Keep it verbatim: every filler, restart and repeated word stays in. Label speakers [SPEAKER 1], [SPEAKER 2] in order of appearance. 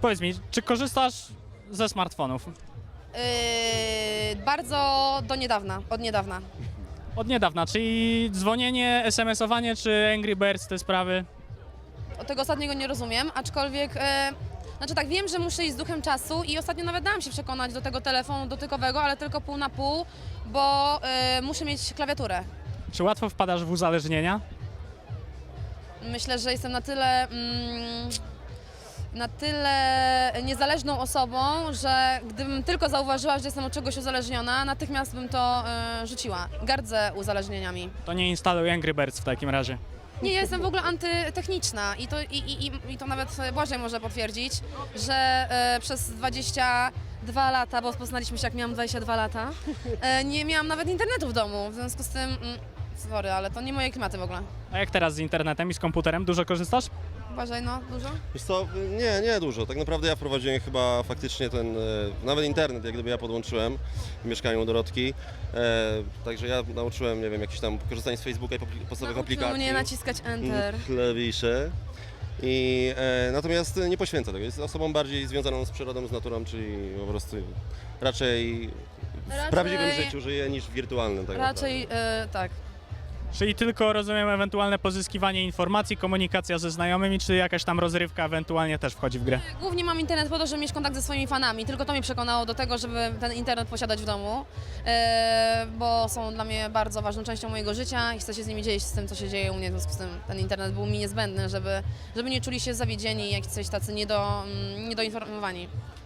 [SPEAKER 1] Powiedz mi, czy korzystasz ze smartfonów?
[SPEAKER 2] Yy, bardzo do niedawna, od niedawna.
[SPEAKER 1] Od niedawna, czyli dzwonienie, es em esowanie czy Angry Birds, te sprawy?
[SPEAKER 2] Od tego ostatniego nie rozumiem, aczkolwiek, e, znaczy tak, wiem, że muszę iść z duchem czasu i ostatnio nawet dałam się przekonać do tego telefonu dotykowego, ale tylko pół na pół, bo e, muszę mieć klawiaturę.
[SPEAKER 1] Czy łatwo wpadasz w uzależnienia?
[SPEAKER 2] Myślę, że jestem na tyle, mm, na tyle niezależną osobą, że gdybym tylko zauważyła, że jestem od czegoś uzależniona, natychmiast bym to e, rzuciła. Gardzę uzależnieniami.
[SPEAKER 1] To nie instaluj Angry Birds w takim razie.
[SPEAKER 2] Nie, ja jestem w ogóle antytechniczna i to, i, i, i- i to nawet Błażej może potwierdzić, że e, przez dwadzieścia dwa lata, bo poznaliśmy się jak miałam dwadzieścia dwa lata, e, nie miałam nawet internetu w domu, w związku z tym, mm, sorry, ale to nie moje klimaty w ogóle.
[SPEAKER 1] A jak teraz z internetem i z komputerem? Dużo korzystasz?
[SPEAKER 2] Błażej, no, dużo?
[SPEAKER 3] Wiesz co, nie, nie dużo. Tak naprawdę ja wprowadziłem chyba faktycznie ten, e, nawet internet, jak gdyby ja podłączyłem w mieszkaniu u Dorotki. E, także ja nauczyłem, nie wiem, jakieś tam korzystanie z Facebooka i popli- podstawowych
[SPEAKER 2] Nauczył
[SPEAKER 3] aplikacji.
[SPEAKER 2] mnie naciskać enter.
[SPEAKER 3] Mm, Klawisze. I, e, natomiast nie poświęca tego. Jest osobą bardziej związaną z przyrodą, z naturą, czyli po prostu raczej w
[SPEAKER 2] Raczej-
[SPEAKER 3] prawdziwym życiu żyje niż w wirtualnym. Tak
[SPEAKER 2] Raczej, e, tak.
[SPEAKER 1] Czyli tylko, rozumiem, ewentualne pozyskiwanie informacji, komunikacja ze znajomymi, czy jakaś tam rozrywka ewentualnie też wchodzi w grę?
[SPEAKER 2] Głównie mam internet po to, żeby mieć kontakt ze swoimi fanami. Tylko to mnie przekonało do tego, żeby ten internet posiadać w domu, e, bo są dla mnie bardzo ważną częścią mojego życia i chcę się z nimi dzielić z tym, co się dzieje u mnie. W związku z tym ten internet był mi niezbędny, żeby, żeby nie czuli się zawiedzieni, jak coś tacy niedo, mm, niedoinformowani.